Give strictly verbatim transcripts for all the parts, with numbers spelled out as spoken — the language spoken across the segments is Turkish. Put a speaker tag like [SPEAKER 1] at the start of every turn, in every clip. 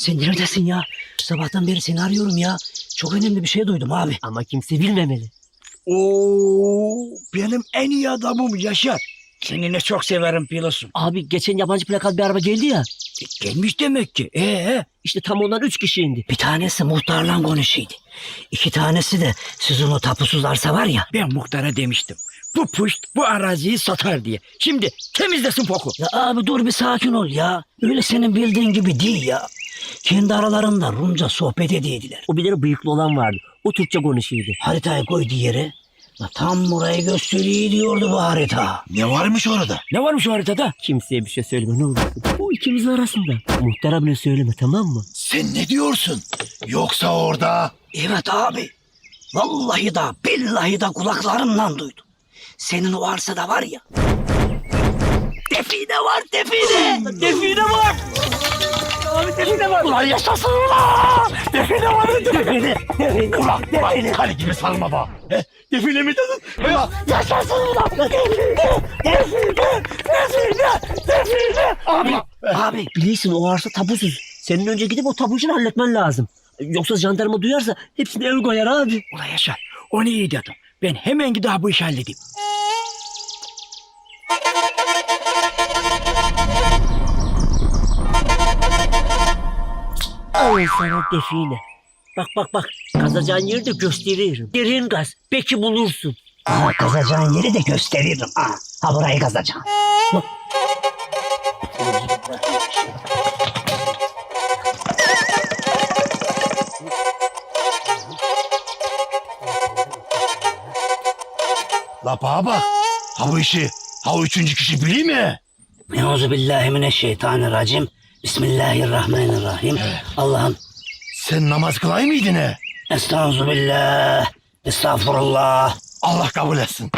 [SPEAKER 1] Sen neredesin ya? Sabahtan beri seni arıyorum ya. Çok önemli bir şey duydum abi.
[SPEAKER 2] Ama kimse bilmemeli.
[SPEAKER 3] Oo, benim en iyi adamım Yaşar. Seni ne çok severim biliyorsun.
[SPEAKER 2] Abi geçen yabancı plakat bir araba geldi ya.
[SPEAKER 3] E, gelmiş demek ki. Ee,
[SPEAKER 2] İşte tam ondan üç kişi indi.
[SPEAKER 1] Bir tanesi muhtarla konuşuydu. İki tanesi de sizin o tapusuz arsa var ya.
[SPEAKER 3] ben muhtara demiştim. Bu puşt bu araziyi satar diye. Şimdi temizlesin poku.
[SPEAKER 1] Ya abi dur bir sakin ol ya. Öyle senin bildiğin gibi değil ya. Kendi aralarında Rumca sohbet ediydiler.
[SPEAKER 2] O bir tane bıyıklı olan vardı. O Türkçe konuşuyordu.
[SPEAKER 1] Haritayı koydu yere. La tam burayı gösteriyor diyordu bu harita.
[SPEAKER 4] Ne varmış orada?
[SPEAKER 3] Ne varmış o haritada?
[SPEAKER 2] Kimseye bir şey söyleme ne olur. Bu ikimizin arasında. Muhtara bile söyleme tamam mı?
[SPEAKER 4] Sen ne diyorsun? Yoksa orada...
[SPEAKER 1] Evet abi. Vallahi da billahi da kulaklarımla duydum. Senin o arsada var ya. Define var define.
[SPEAKER 3] Define var. Abi define var.
[SPEAKER 1] Ulan yaşasın ulan. Define var define. Define.
[SPEAKER 4] Ulan bak kale gibi salma bak. He? Defile mi dedin? Ya,
[SPEAKER 1] Yaşasın ulan. Define. Define. Define. Define. Abi. Abi.
[SPEAKER 2] Bilirsin o arsa tapusuz. Senin önce gidip o tapu işini halletmen lazım. Yoksa jandarma duyarsa hepsini el koyar abi.
[SPEAKER 3] Ulan Yaşar onu iyi dedim. Ben hemen gidip bu işi halledeyim.
[SPEAKER 2] Ay sana define. Bak bak bak. Kazacağın yeri de gösteririm. Derin gaz. Belki bulursun.
[SPEAKER 1] Aa, kazacağın yeri de gösteririm. Ha, ha burayı kazacağım. Bak.
[SPEAKER 4] la bana bak. Ha bu işi, ha o üçüncü kişi biliyor mi?
[SPEAKER 1] Euzubillahimineşşeytanirracim. Bismillahirrahmanirrahim. Allah'ım.
[SPEAKER 4] Sen namaz kılay mıydın he?
[SPEAKER 1] Estağfurullah. Estağfurullah.
[SPEAKER 4] Allah kabul etsin.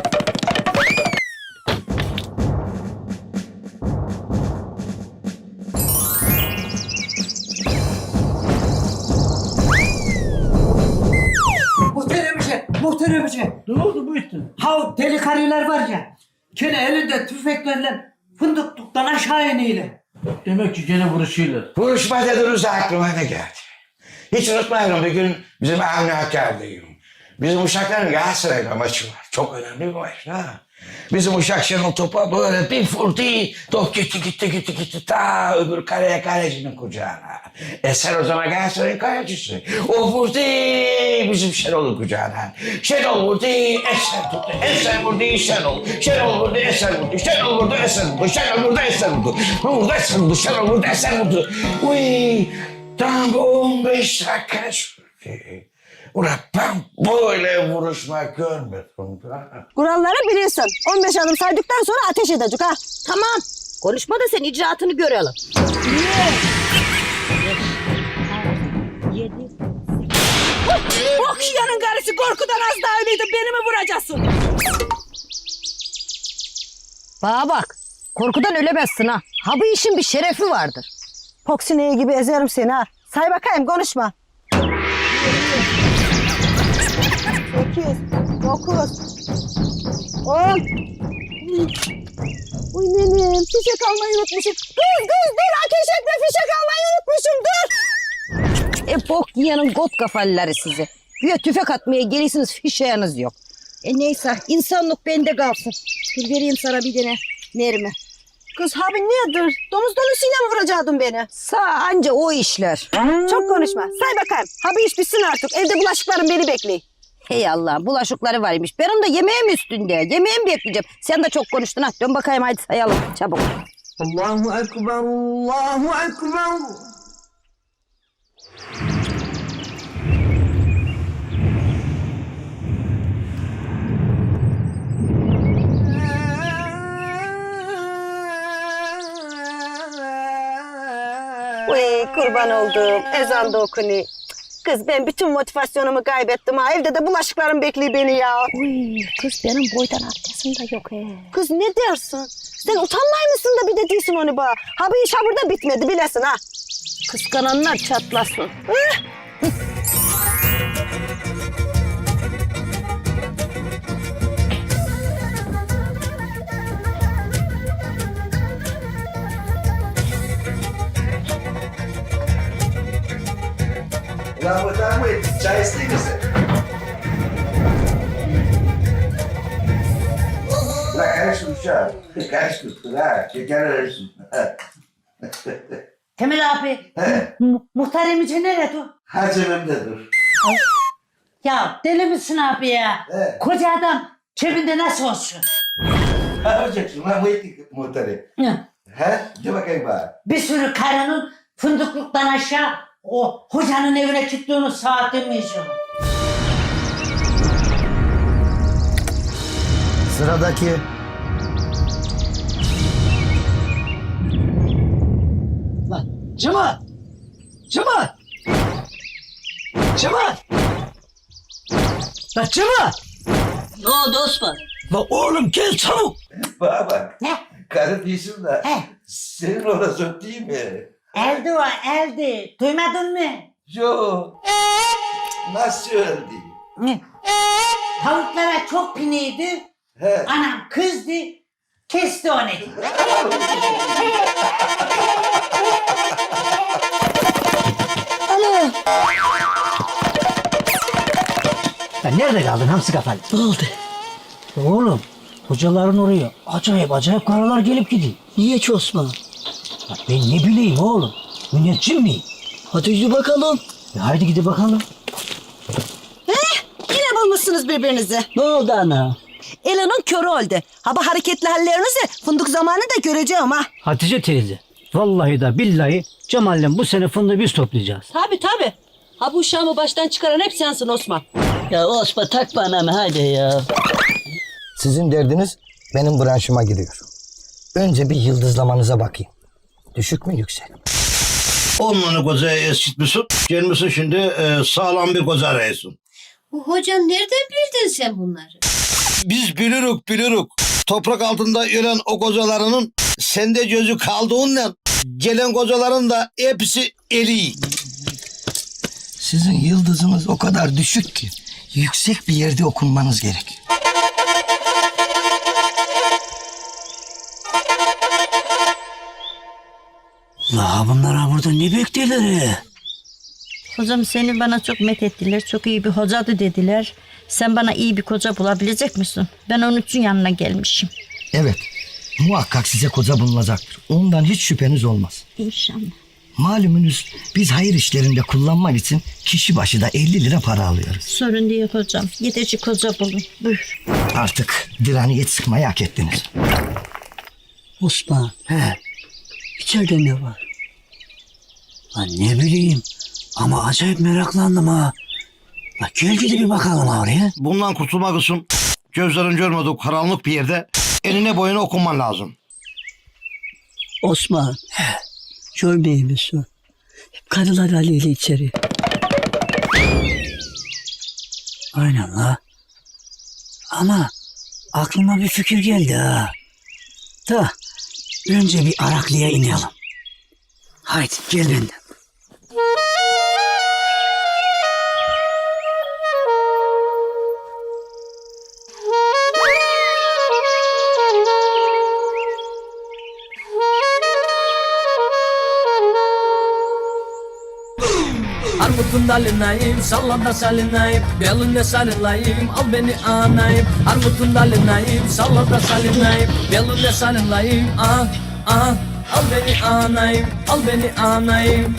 [SPEAKER 5] Muhterem şey, muhterem şey.
[SPEAKER 3] Ne oldu bu işin?
[SPEAKER 5] Ha o deli karılar var ya. Gene elinde tüfeklerle fındıklıktan aşağı iniyle.
[SPEAKER 3] Demek ki gene vuruşuyorlar.
[SPEAKER 6] Vuruşma dediniz aklıma ne geldi? Hiç unutmayalım bir gün bizim Avni Hakkari'deyim. Bizim uşakların Galatasaray'la maçı var. Çok önemli bir maç ha. Bizim uşak Şenol topa böyle bir vurdu. Top gitti gitti gitti gitti ta öbür kaleye kalecinin kucağına. E sen o zaman Galatasaray'ın kalecisi. O vurdu bizim Şenol'un kucağına. Şenol vurdu Esen tuttu. Esen vurdu Şenol. Şenol vurdu Esen vurdu. Şenol vurdu Esen vurdu. Şenol vurdu Esen vurdu. Vurdu Esen vurdu. Şenol vurdu Esen vurdu. Uy tam on beş dakika sürdü. Ulan ben böyle vuruşma görmedim.
[SPEAKER 7] Kuralları bilirsin. on beş adım saydıktan sonra ateş edecek ha.
[SPEAKER 8] Tamam. Konuşma da sen icraatını görelim.
[SPEAKER 7] Oh yanın karısı korkudan az daha ölüydü. Beni mi vuracaksın?
[SPEAKER 8] Bana bak. Korkudan ölemezsin ha. Ha bu işin bir şerefi vardır.
[SPEAKER 7] Poksineyi gibi ezerim seni ha. Say bakayım konuşma. Sekiz, dokuz, on. Uy nenem fişek almayı unutmuşum. Dur dur dur ateş etme fişek almayı unutmuşum dur.
[SPEAKER 8] E bok yiyenin got kafalıları sizi. Güya tüfek atmaya gelirsiniz fişeğiniz yok. E neyse insanlık bende kalsın. Dur vereyim sana bir tane mermi.
[SPEAKER 7] Kız abi nedir? Domuz dolusuyla mı vuracaktın beni?
[SPEAKER 8] Sağ anca o işler.
[SPEAKER 7] Çok konuşma. Say bakayım. Abi iş bitsin artık. Evde bulaşıklarım beni bekliyor.
[SPEAKER 8] Hey Allah bulaşıkları varmış. Benim de yemeğim üstünde. Yemeğimi bekleyeceğim. Sen de çok konuştun ha. Dön bakayım hadi sayalım çabuk.
[SPEAKER 5] Allahu Ekber, Allahu Ekber.
[SPEAKER 7] Uy kurban oldum. Ezan da okunuyor. Kız ben bütün motivasyonumu kaybettim ha. Evde de bulaşıklarım bekliyor beni ya.
[SPEAKER 8] Uy, kız benim boydan abdestim de yok he.
[SPEAKER 7] Kız ne dersin? Sen utanmay mısın da bir de değilsin onu bana. Ha bu iş ha burada bitmedi bilesin ha.
[SPEAKER 8] Kıskananlar çatlasın.
[SPEAKER 6] Sayesinde kızım. La karıştır uşağım. Karıştır. La şeker arasın.
[SPEAKER 5] Temel abi,
[SPEAKER 6] He.
[SPEAKER 5] mu- muhtar emici nerede o?
[SPEAKER 6] Hacımımda dur.
[SPEAKER 5] Ya deli misin abi ya?
[SPEAKER 6] He.
[SPEAKER 5] Koca adam cebinde nasıl olsun?
[SPEAKER 6] Ne yapacaksın lan bu ettik muhtarı?
[SPEAKER 5] Hı.
[SPEAKER 6] He? De bakayım bana.
[SPEAKER 5] Bir sürü karının fındıklıktan aşağı o hocanın evine çıktığını saat demeyeceğim.
[SPEAKER 9] Sıradaki.
[SPEAKER 1] Lan Cemal! Cemal! Cemal! Lan Cemal!
[SPEAKER 5] Ne oldu Osman?
[SPEAKER 1] Lan oğlum gel çabuk!
[SPEAKER 6] Bana bak.
[SPEAKER 5] Ne?
[SPEAKER 6] Karı değilsin de.
[SPEAKER 5] He.
[SPEAKER 6] Senin orası değil mi?
[SPEAKER 5] Eldi o eldi. Duymadın mı?
[SPEAKER 6] Yok. Nasıl öldü?
[SPEAKER 5] Ne? Tavuklara çok piniydi.
[SPEAKER 6] He.
[SPEAKER 5] Anam kızdı. Kesti onu.
[SPEAKER 2] Ya nerede kaldın hamsi kafalı?
[SPEAKER 1] Ne oldu?
[SPEAKER 2] Oğlum hocaların oraya acayip acayip karalar gelip gidiyor.
[SPEAKER 1] Niye ki Osman?
[SPEAKER 2] Ya ben ne bileyim oğlum. Müneccim miyim?
[SPEAKER 1] Hadi yürü bakalım.
[SPEAKER 2] E haydi gidip bakalım.
[SPEAKER 8] Yine bulmuşsunuz birbirinizi.
[SPEAKER 1] Ne oldu ana?
[SPEAKER 8] Elinin körü oldu. Ha bu hareketli hallerinizi fındık zamanı da göreceğim ha.
[SPEAKER 2] Hatice teyze. Vallahi da billahi Cemal'le bu sene fındığı biz toplayacağız.
[SPEAKER 10] Tabii tabii. Ha bu uşağımı baştan çıkaran hep sensin Osman.
[SPEAKER 1] Ya Osman takma anamı hadi ya.
[SPEAKER 9] Sizin derdiniz benim branşıma giriyor. Önce bir yıldızlamanıza bakayım. Düşük mü yüksek mi?
[SPEAKER 4] Onları kozaya eskitmişsin. Gelmişsin şimdi e, sağlam bir koza arıyorsun.
[SPEAKER 10] Hocam nereden bildin sen bunları?
[SPEAKER 4] Biz bilirük bilirük. Toprak altında ölen o kozalarının sende gözü kaldığından gelen kozaların da hepsi eri.
[SPEAKER 9] Sizin yıldızınız o kadar düşük ki yüksek bir yerde okunmanız gerek.
[SPEAKER 1] La bunlar burada ne bekliyorlar?
[SPEAKER 8] Hocam seni bana çok methettiler. Çok iyi bir hocadı dediler. Sen bana iyi bir koca bulabilecek misin? Ben onun için yanına gelmişim.
[SPEAKER 9] Evet, muhakkak size koca bulunacaktır. Ondan hiç şüpheniz olmaz.
[SPEAKER 8] İnşallah.
[SPEAKER 9] Malumunuz biz hayır işlerinde kullanmak için kişi başı da elli lira para alıyoruz.
[SPEAKER 8] Sorun değil hocam. Yeteci koca bulun. Buyur.
[SPEAKER 9] Artık direniyet sıkmayı hak ettiniz.
[SPEAKER 1] Osman. He. İçeride ne var? Lan ne bileyim. Ama acayip meraklandım ha. Bak gel gidip bir bakalım oraya.
[SPEAKER 4] Bundan kurtulmak için gözlerin görmediği karanlık bir yerde eline boyuna okunman lazım.
[SPEAKER 1] Osman. He. Görmeyeyim misin? Hep karılar haliyle içeri. Aynen la. Ama aklıma bir fikir geldi ha. Da önce bir Araklı'ya inelim. Haydi gel benden.
[SPEAKER 11] Armutun dalındayım, sallanda salinayım, belinde salinayım, al beni anayım. Armutun dalındayım, sallanda salinayım, belinde salinayım, ah ah, al beni anayım, al beni anayım.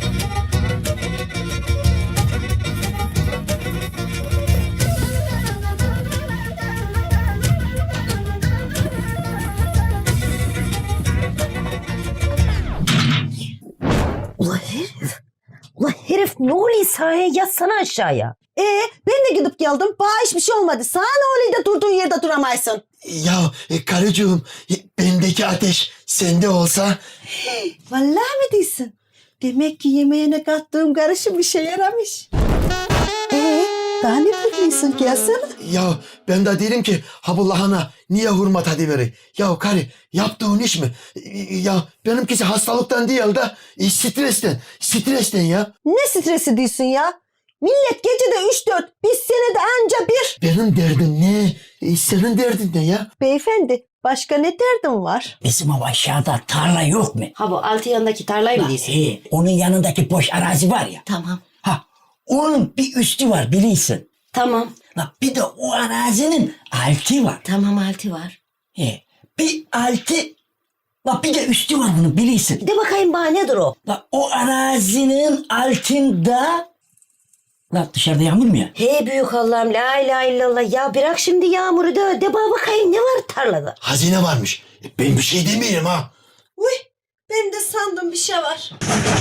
[SPEAKER 8] Ula herif. Ula herif ne oluyor sahaya yatsana aşağıya. Ee ben de gidip geldim. Bana hiçbir şey olmadı. Sana ne oluyor da durduğun yerde duramaysın.
[SPEAKER 9] Ya e, karıcığım e, bendeki ateş sende olsa...
[SPEAKER 8] Vallahi mi diyorsun? Demek ki yemeğine kattığım karışım işe yaramış. Ee daha ne biliyorsun gelsene.
[SPEAKER 9] Ya ben de derim ki ha bu lahana niye hurma tadı verir? Ya karı yaptığın iş mi? E, Ya benimkisi hastalıktan değil de e, stresten. Stresten ya.
[SPEAKER 8] Ne stresi diyorsun ya? Millet gecede üç dört, biz senede anca bir.
[SPEAKER 9] Benim derdim ne? E, senin derdin ne ya?
[SPEAKER 8] Beyefendi başka ne derdin var?
[SPEAKER 1] Bizim o aşağıda tarla yok mu?
[SPEAKER 8] Ha bu altı yanındaki tarlayı mı
[SPEAKER 1] Lan,
[SPEAKER 8] diyorsun?
[SPEAKER 1] he, onun yanındaki boş arazi var ya.
[SPEAKER 8] Tamam.
[SPEAKER 1] Ha,
[SPEAKER 3] Onun bir üstü var biliyorsun.
[SPEAKER 10] Tamam.
[SPEAKER 3] La bir de o arazinin altı var.
[SPEAKER 10] Tamam altı var.
[SPEAKER 3] He, bir altı, la bir de üstü var bunun biliyorsun.
[SPEAKER 10] De bakayım bana nedir o?
[SPEAKER 3] La o arazinin altında, la dışarıda yağmur mu ya?
[SPEAKER 10] Hey büyük Allah'ım la ilahe illallah. Ya bırak şimdi yağmuru da de bana bakayım ne var tarlada?
[SPEAKER 9] Hazine varmış. E, ben bir şey demiyorum ha.
[SPEAKER 8] Uy ben de sandım bir şey var.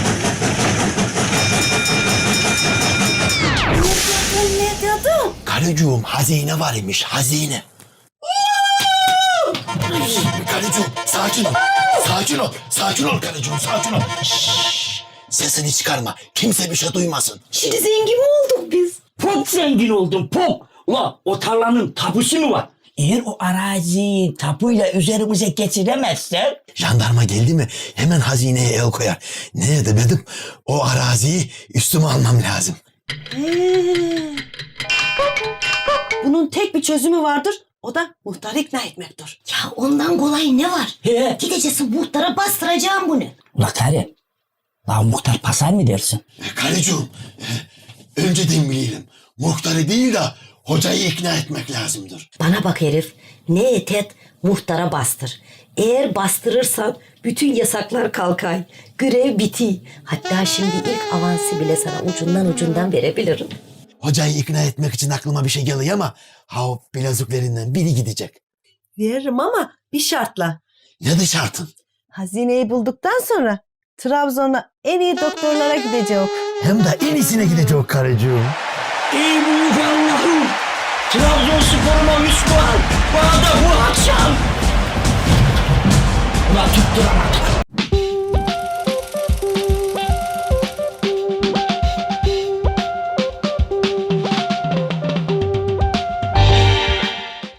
[SPEAKER 8] Ne dedim?
[SPEAKER 9] Karıcığım hazine var imiş hazine. Karıcığım sakin ol. Sakin ol. Sakin ol karıcığım sakin ol. Şşş, sesini çıkarma. Kimse bir şey duymasın.
[SPEAKER 10] Şimdi zengin mi olduk biz?
[SPEAKER 3] Çok zengin oldum çok. Ula o tarlanın tapusu mu var? Eğer o araziyi tapuyla üzerimize geçiremezsek...
[SPEAKER 9] Jandarma geldi mi hemen hazineye el koyar. Neye demedim o araziyi üstüme almam lazım.
[SPEAKER 8] Bunun tek bir çözümü vardır. O da muhtarı ikna etmektir.
[SPEAKER 10] Ya ondan kolay ne var?
[SPEAKER 3] He.
[SPEAKER 10] Gideceksin muhtara bastıracağım bunu.
[SPEAKER 3] Ula karı, la muhtar pasar mı dersin?
[SPEAKER 9] E, karıcığım e, önceden bilelim. Muhtarı değil de hocayı ikna etmek lazımdır.
[SPEAKER 10] Bana bak herif. Ne et et muhtara bastır. Eğer bastırırsan bütün yasaklar kalkay. Görev biti. Hatta şimdi ilk avansı bile sana ucundan ucundan verebilirim.
[SPEAKER 9] Hocayı ikna etmek için aklıma bir şey geliyor ama ha o bileziklerinden biri gidecek.
[SPEAKER 8] Veririm ama bir şartla.
[SPEAKER 9] Ne de şartın?
[SPEAKER 8] Hazineyi bulduktan sonra Trabzon'a en iyi doktorlara gidecek.
[SPEAKER 9] Hem de en iyisine gidecek karıcığım.
[SPEAKER 3] Ey büyük Allah'ım! Trabzonspor'uma üç puan! Bana da bu akşam! Ulan tutturamadık.